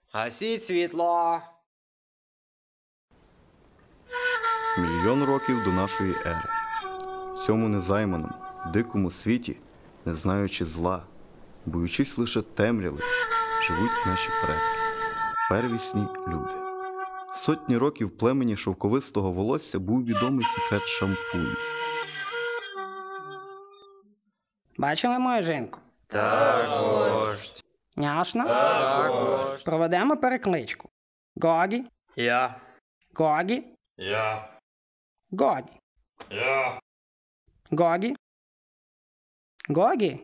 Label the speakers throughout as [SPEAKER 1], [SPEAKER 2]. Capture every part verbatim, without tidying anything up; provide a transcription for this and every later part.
[SPEAKER 1] Гасіть світло.
[SPEAKER 2] Мільйон років до нашої ери. В цьому незайманому, дикому світі, не знаючи зла, боючись лише темряви, живуть наші предки, первісні люди. Сотні років в племені шовковистого волосся був відомий секрет шампуню.
[SPEAKER 3] Бачили мою жінку?
[SPEAKER 1] Так, вождь.
[SPEAKER 3] Няшно?
[SPEAKER 1] Так, вождь.
[SPEAKER 3] Проведемо перекличку. Гогі,
[SPEAKER 1] Я.
[SPEAKER 3] Гогі,
[SPEAKER 4] Я.
[SPEAKER 3] Гогі,
[SPEAKER 4] Я.
[SPEAKER 3] Гогі, Гогі.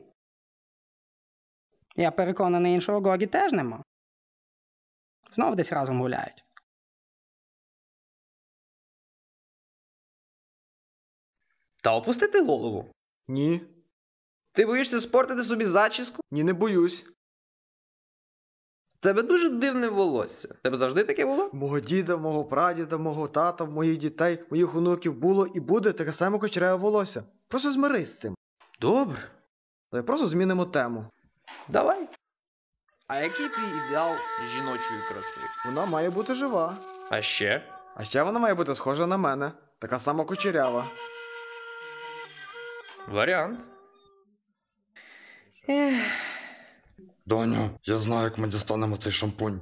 [SPEAKER 3] Я переконаний, іншого Гогі теж нема. Знов десь разом гуляють.
[SPEAKER 1] Та опустити голову.
[SPEAKER 5] Ні.
[SPEAKER 1] Ти боїшся спортити собі зачіску?
[SPEAKER 5] Ні, не боюсь.
[SPEAKER 1] В тебе дуже дивне волосся. В тебе завжди таке було?
[SPEAKER 5] Мого діда, мого прадіда, мого тата, моїх дітей, моїх онуків було і буде таке саме кучеряве волосся. Просто змирись з цим.
[SPEAKER 1] Добре.
[SPEAKER 5] Давай просто змінимо тему.
[SPEAKER 1] Давай. А який твій ідеал жіночої краси?
[SPEAKER 5] Вона має бути жива.
[SPEAKER 1] А ще?
[SPEAKER 5] А ще вона має бути схожа на мене. Така сама кучерява.
[SPEAKER 1] Варіант.
[SPEAKER 4] Доню, я знаю, як ми дістанемо цей шампунь.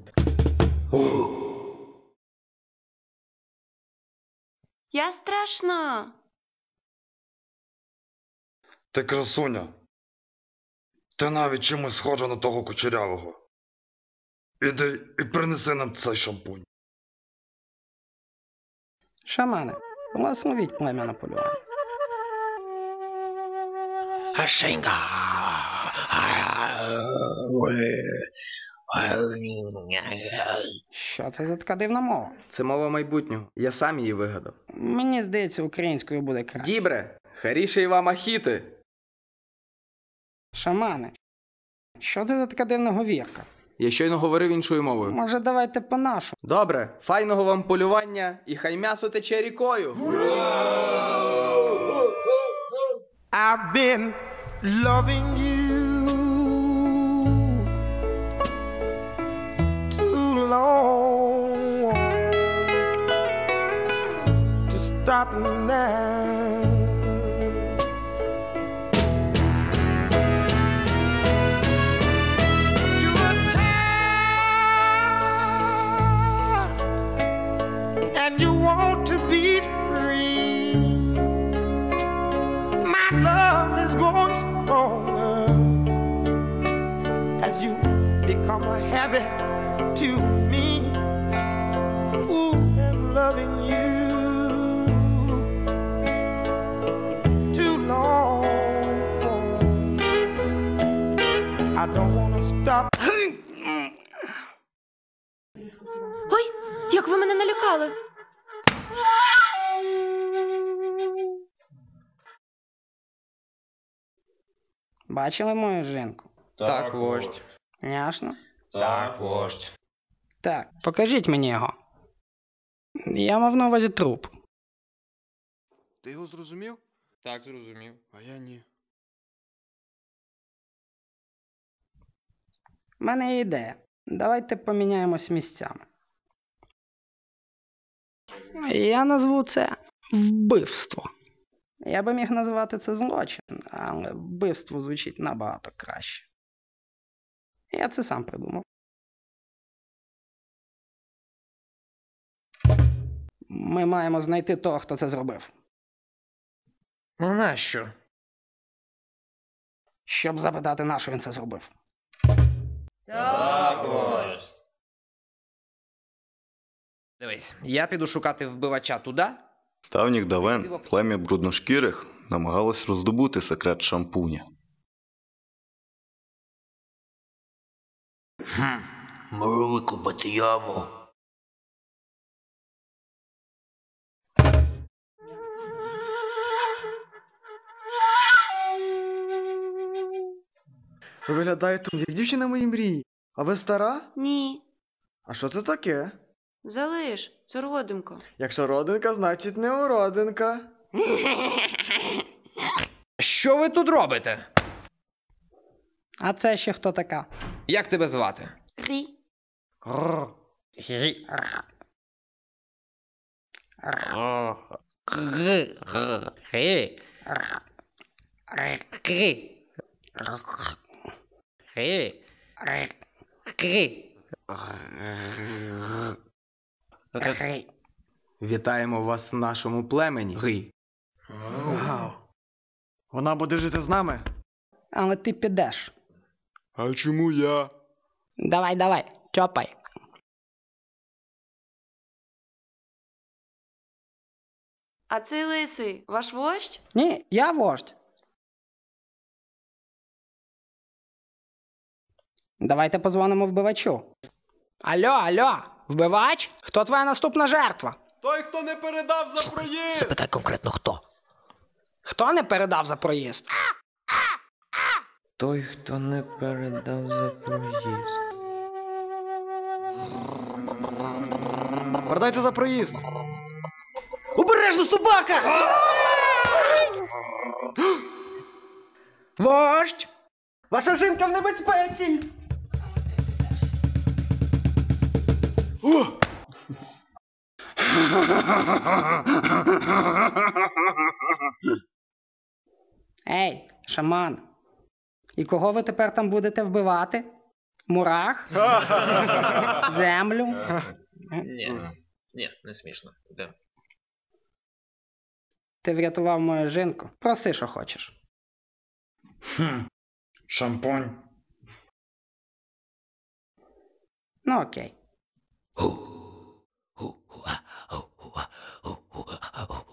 [SPEAKER 6] Я страшна.
[SPEAKER 4] Ти красуня. Ти навіть чимось схожа на того кучерявого. Іди і принеси нам цей шампунь.
[SPEAKER 3] Шамани, благословіть плем'я на полювання.
[SPEAKER 1] Гашенька.
[SPEAKER 3] Що це за така дивна мова?
[SPEAKER 1] Це мова майбутнього. Я сам її вигадав.
[SPEAKER 3] Мені здається, українською буде краще.
[SPEAKER 1] Дібре, харіше вам ахіти.
[SPEAKER 3] Шамани, що це за така дивна говірка?
[SPEAKER 1] Я щойно говорив іншою мовою.
[SPEAKER 3] Може, давайте по-нашому?
[SPEAKER 1] Добре, файного вам полювання і хай м'ясо тече рікою.
[SPEAKER 7] I've been loving you too long to stop now. You are tired and you want to be free. My love is growing stronger as you become a habit to me. Ooh, I'm loving you too long. I don't want to stop.
[SPEAKER 6] Ой, як ви мене налякали.
[SPEAKER 3] Бачили мою жінку?
[SPEAKER 1] Так, вождь.
[SPEAKER 3] Няшно?
[SPEAKER 4] Так, вождь.
[SPEAKER 3] Так, покажіть мені його. Я мав на увазі труп.
[SPEAKER 2] Ти його зрозумів?
[SPEAKER 1] Так, зрозумів.
[SPEAKER 2] А я ні.
[SPEAKER 3] У мене є ідея. Давайте поміняємось місцями. Я назву це вбивство. Я би міг назвати це злочин, але вбивство звучить набагато краще. Я це сам придумав. Ми маємо знайти того, хто це зробив.
[SPEAKER 1] Ну нащо?
[SPEAKER 3] Щоб запитати, на що він це зробив.
[SPEAKER 4] Так, вождь.
[SPEAKER 1] Дивись, я піду шукати вбивача туди.
[SPEAKER 2] З давніх давен плем'я брудношкірих намагалось роздобути секрет шампуня.
[SPEAKER 8] Хм, можу викопати яму.
[SPEAKER 5] Ви виглядаєте, як дівчина моїй мрії. А ви стара?
[SPEAKER 6] Ні.
[SPEAKER 5] А що це таке?
[SPEAKER 6] Залиш, це родимка.
[SPEAKER 5] Якщо родинка, значить не уродинка.
[SPEAKER 1] Що ви тут робите?
[SPEAKER 3] А це ще хто така?
[SPEAKER 1] Як тебе звати?
[SPEAKER 6] Рі.
[SPEAKER 5] Рррр.
[SPEAKER 3] Гі.
[SPEAKER 9] Вітаємо вас в нашому племені. Гри.
[SPEAKER 5] Вау. Вона буде жити з нами?
[SPEAKER 3] Але ти підеш.
[SPEAKER 2] А чому я?
[SPEAKER 3] Давай, давай, тьопай.
[SPEAKER 6] А цей лисий ваш вождь?
[SPEAKER 3] Ні, я вождь. Давайте позвонимо вбивачу. Алло, алло, вбивач? Хто твоя наступна жертва?
[SPEAKER 5] Той, хто не передав за проїзд!
[SPEAKER 8] Запитай конкретно хто.
[SPEAKER 3] Хто не передав за проїзд?
[SPEAKER 1] Той, хто не передав за проїзд.
[SPEAKER 5] Передайте за проїзд!
[SPEAKER 3] Обережно, собака! Вождь! Ваша жінка в небезпеці! Ей, шаман! І кого ви тепер там будете вбивати? Мурах? Землю?
[SPEAKER 10] Ні, ні, не смішно. Йдемо.
[SPEAKER 3] Ти врятував мою жінку. Проси, що хочеш.
[SPEAKER 4] Хм. Шампунь.
[SPEAKER 3] Ну окей.
[SPEAKER 8] Ху. Ху. Ху. Ху. Ху. Ху.